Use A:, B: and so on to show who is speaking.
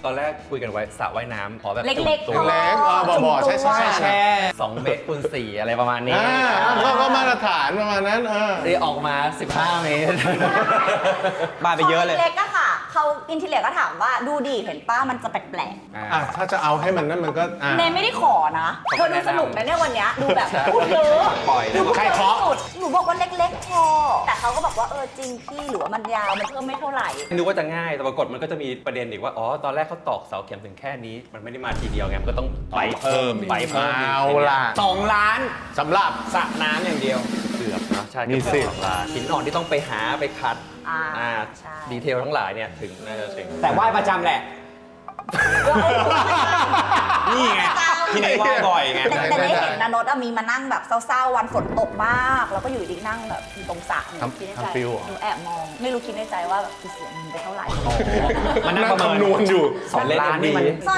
A: อนแรกคุยกันไว้สระว่ายน้ำขอแบบ
B: เล็กๆ
A: ตัว
C: เล็กบ่อๆแช่
A: 2 เมตรคูณ 4อะไรประมาณนี้
C: ก็มาตรฐานประมาณนั้น
A: ได้ออกมา 15 เมตร
D: บ้าไปเยอะเลย
B: เล็กก็ค่ะเขาอินทีเลียก็ถามว่าดูดิเห็นป้ามันจะแปลก
C: ถ้าจะเอาให้มันนั่นมันก็
B: ๆเนยไม่ได้ขอนะเธอดูสนุกนะเนี่ยวันเนี้ยดูแบบ
A: ใช่
B: พูดเยอะ
A: ปล่อย
B: ดู
C: ใครเคาะ
B: สุดหนูบอกว่าเล็กๆพอแต่เขาก็บอกว่าจริงพี่หรือว่ามันยาวมันเพิ่มไม่เท่าไหร่
A: นึกว่าจะง่ายแต่ปรากฏมันก็จะมีประเด็นอีกว่าอ๋อตอนแรกเขาตอกเสาเข็มถึงแค่นี้มันไม่ได้มาทีเดียวไงมันก็ต้องไปเพิ่ม
C: เอาล่ะ
D: 2 ล้าน
C: สำหรับ
D: สระน้ำอย่างเดียว
A: เกือบเนาะใช่
C: มี
A: เกือบ
C: สิทธิ์
A: 2 ล้านหินอ่อนที่ต้องไปหาไปคัด
B: ใช่
A: ดีเทลทั้งหลายเนี่ยถึงน่าจะถึง
D: แต่ไหว้ประจำแหละ นี่ไงที่ไหนไหว้บ่อยไง
B: แต่ได้เห็นนานดมีมานั่งแบบเศร้าๆวันฝนตกมาก แล้วก็อยู่ดีนั่งแบบตรงสระหนูคิดในใจหนูแอบมองไม่รู้คิดในใจว่าแบบเสียเงินไปเท่าไหร่
D: มันนั่งประเมิน
C: คำนวณอยู่
A: 2 ล้านนี่มัน